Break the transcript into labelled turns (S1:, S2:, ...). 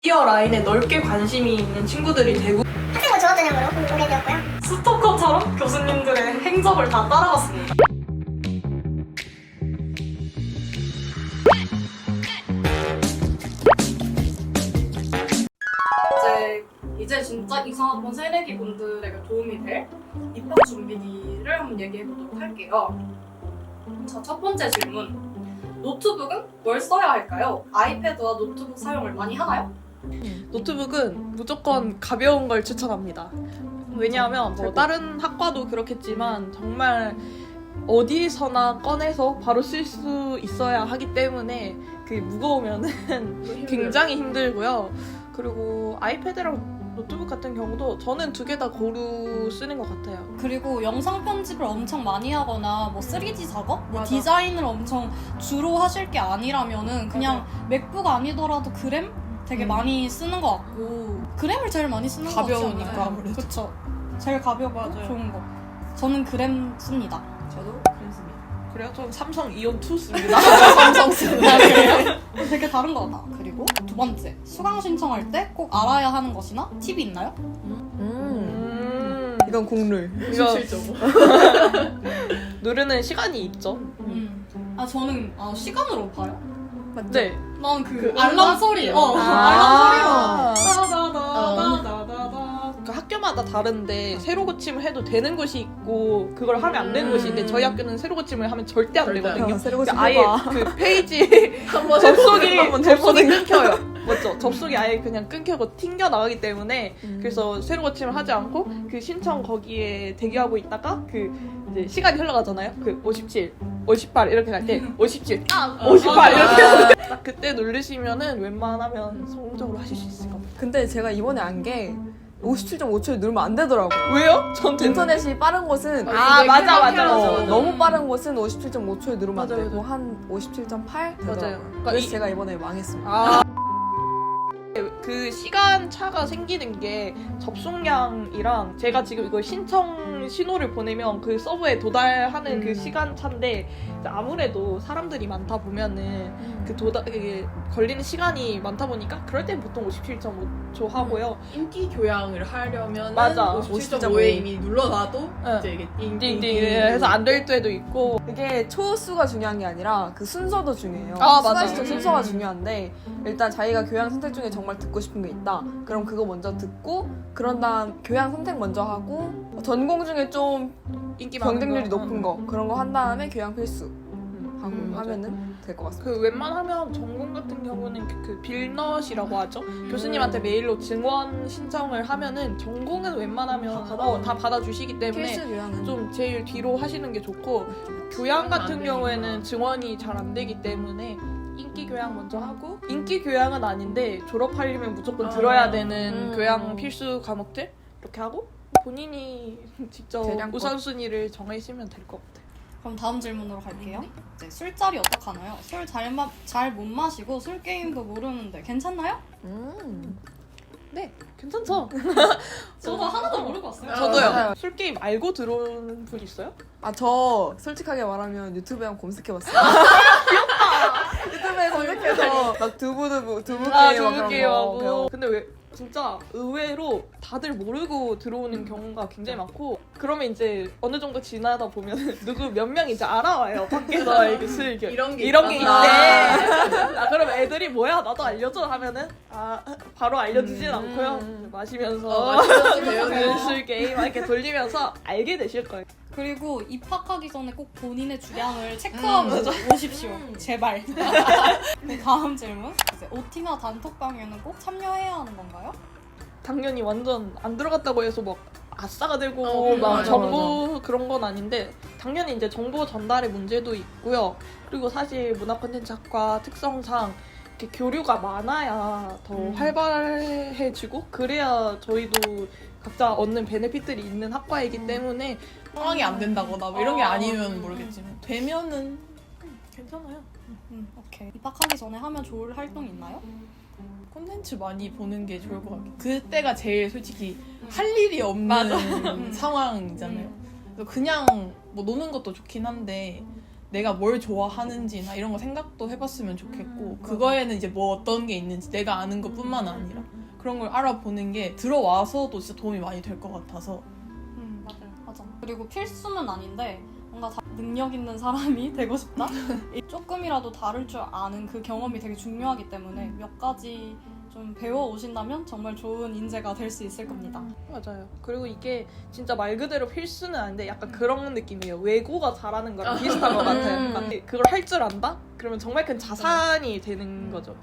S1: 미디어 라인에 넓게 관심이 있는 친구들이 대부분
S2: 학생부 졸업전형으로 오게 되었고요.
S1: 스토커처럼 교수님들의 행적을 다 따라갔습니다. 이제 진짜 이상학번 새내기 분들에게 도움이 될 입학 준비를 한번 얘기해 보도록 할게요. 자, 첫 번째 질문. 노트북은 뭘 써야 할까요? 아이패드와 노트북 사용을 많이 하나요?
S3: 노트북은 무조건 가벼운 걸 추천합니다. 왜냐하면 뭐 다른 학과도 그렇겠지만 정말 어디서나 꺼내서 바로 쓸 수 있어야 하기 때문에 그게 무거우면은 굉장히 힘들고요. 그리고 아이패드랑 노트북 같은 경우도 저는 두 개 다 고루 쓰는 것 같아요.
S4: 그리고 영상 편집을 엄청 많이 하거나 뭐 3D 작업? 뭐
S3: 맞아.
S4: 디자인을 엄청 주로 하실 게 아니라면은 그냥 맥북 아니더라도 그램? 되게 많이 쓰는 것 같고 그램을 제일 많이 쓰는 것 같지 않나요?
S5: 가벼우니까 아무래도.
S4: 그쵸. 제일 가볍고
S3: 맞아요.
S4: 좋은 거. 저는 그램 씁니다.
S5: 저도 그렇습니다.
S3: 그래요? 전 삼성 이온 2 씁니다.
S5: 삼성 쓰는
S4: 되게 다른 것 같다. 그리고 두 번째, 수강 신청할 때 꼭 알아야 하는 것이나 팁이 있나요?
S5: 이건 국룰.
S3: 이거
S5: 실적으로.
S3: 누르는 시간이 있죠.
S4: 저는 시간으로 봐요.
S3: 네.
S4: 난 그
S5: 알람
S4: 알람 소리.
S3: 아.
S4: 알람 소리로. 따다다다다다다.
S3: 그 학교마다 다른데 새로 고침을 해도 되는 곳이 있고 그걸 하면 안 되는 곳이 있는데 저희 학교는 새로 고침을 하면 절대 안
S5: 절대 안
S3: 되거든요.
S5: 새로 고침
S3: 그러니까 아예
S5: 해봐.
S3: 그 페이지 접속이
S5: 해보는
S3: 끊겨요. 맞죠? 접속이 아예 그냥 끊겨고 튕겨 나가기 때문에 그래서 새로 고침을 하지 않고 그 신청 거기에 대기하고 있다가 그 이제 시간이 흘러가잖아요. 그 57, 58 이렇게 갈 때 57, 58 이렇게 딱 그때 누르시면은 웬만하면 성공적으로 하실 수 있을 겁니다.
S5: 근데 제가 이번에 안 게 57.5초에 누르면 안 되더라고요.
S3: 왜요? 전
S5: 인터넷이 빠른 곳은
S3: 맞아.
S5: 너무 빠른 곳은 57.5초에 누르면 안
S3: 맞아요,
S5: 되고 한 57.8 되더라고요.
S3: 그러니까
S5: 그래서 제가 이번에 망했습니다.
S3: 그 시간 차가 생기는 게 접속량이랑 제가 지금 이걸 신청 신호를 보내면 그 서버에 도달하는 그 시간 차인데 아무래도 사람들이 많다 보면은 그 이게 걸리는 시간이 많다 보니까 그럴 땐 보통 57.5초 하고요.
S6: 인기 교양을 하려면
S3: 맞아.
S6: 57.5에 이미 눌러놔도
S3: 응.
S6: 이제 이게
S3: 띵띵 해서 안 될 때도 있고
S5: 이게 초수가 중요한 게 아니라 그 순서도 중요해요.
S3: 아,
S5: 수강
S3: 맞아요.
S5: 신청 순서가 중요한데 일단 자기가 교양 선택 중에 정말 듣고 싶은 게 있다. 그럼 그거 먼저 듣고 그런 다음 교양 선택 먼저 하고 전공 중에 좀
S3: 인기 많은
S5: 경쟁률이
S3: 거.
S5: 높은 거 그런 거 한 다음에 교양 필수 하고
S3: 맞아요.
S5: 하면은 될 것 같습니다.
S3: 그 웬만하면 전공 같은 경우는 그 빌넛이라고 하죠. 교수님한테 메일로 증원 신청을 하면은 전공은 웬만하면 다 받아주시기 때문에
S5: 필수 교양은
S3: 좀 제일 뒤로 하시는 게 좋고 교양 같은 경우에는 증원이 잘 안 되기 때문에 인기 교양 먼저 하고 인기 교양은 아닌데 졸업하려면 무조건 들어야 되는 교양 필수 과목들 이렇게 하고 본인이 직접
S5: 대량권.
S3: 우선순위를 정하시면 될 것 같아요.
S4: 그럼 다음 질문으로 갈게요. 이제 술자리 어떡하나요? 술 잘 못 마시고 술 게임도 모르는데 괜찮나요?
S3: 네, 괜찮죠?
S4: 저도 하나도 모르고 왔어요.
S3: 저도요. 술 게임 알고 들어온 분 있어요?
S5: 저 솔직하게 말하면 유튜브에 한번 검색해봤어요. 유튜브에 검색해서 막 두부 게임
S3: 게임하고. 근데 왜 진짜 의외로 다들 모르고 들어오는 경우가 굉장히 많고 그러면 이제 어느 정도 지나다 보면 누구 몇 명이 이제 알아와요. 밖에서 이렇게 술
S6: 이런 게
S3: 이런 게 있대.
S6: 있구나.
S3: 그럼 애들이 뭐야 나도 알려줘 하면은 바로 알려주진 않고요. 마시면서 술 게임 이렇게 돌리면서 알게 되실 거예요.
S4: 그리고 입학하기 전에 꼭 본인의 주량을 체크하고 오십시오. 제발. 네, 다음 질문. 이제 OT나 단톡방에는 꼭 참여해야 하는 건가요?
S3: 당연히 완전 안 들어갔다고 해서 막 아싸가 되고 막
S6: 맞아,
S3: 정보 그런 건 아닌데 당연히 이제 정보 전달의 문제도 있고요. 그리고 사실 문화 콘텐츠학과 특성상 이렇게 교류가 많아야 더 활발해지고 그래야 저희도 각자 얻는 베네핏들이 있는 학과이기 때문에
S6: 상황이 안 된다거나 뭐 이런 게 아니면 모르겠지만 되면은
S3: 괜찮아요.
S4: 오케이. 입학하기 전에 하면 좋을 활동 있나요?
S6: 콘텐츠 많이 보는 게 좋을 것 같아요. 그때가 제일 솔직히 할 일이 없는 상황이잖아요. 그래서 그냥 뭐 노는 것도 좋긴 한데 내가 뭘 좋아하는지나 이런 거 생각도 해봤으면 좋겠고 그거에는 이제 뭐 어떤 게 있는지 내가 아는 것뿐만 아니라 그런 걸 알아보는 게 들어와서도 진짜 도움이 많이 될 것 같아서
S4: 맞아요. 맞아. 그리고 필수는 아닌데 뭔가 능력 있는 사람이 되고 싶다? 조금이라도 다를 줄 아는 그 경험이 되게 중요하기 때문에 몇 가지 좀 배워오신다면 정말 좋은 인재가 될 수 있을 겁니다.
S3: 맞아요. 그리고 이게 진짜 말 그대로 필수는 아닌데 약간 그런 느낌이에요. 외고가 잘하는 거랑 비슷한 것 같아요. 그러니까 그걸 할 줄 안다? 그러면 정말 큰 자산이 되는 거죠.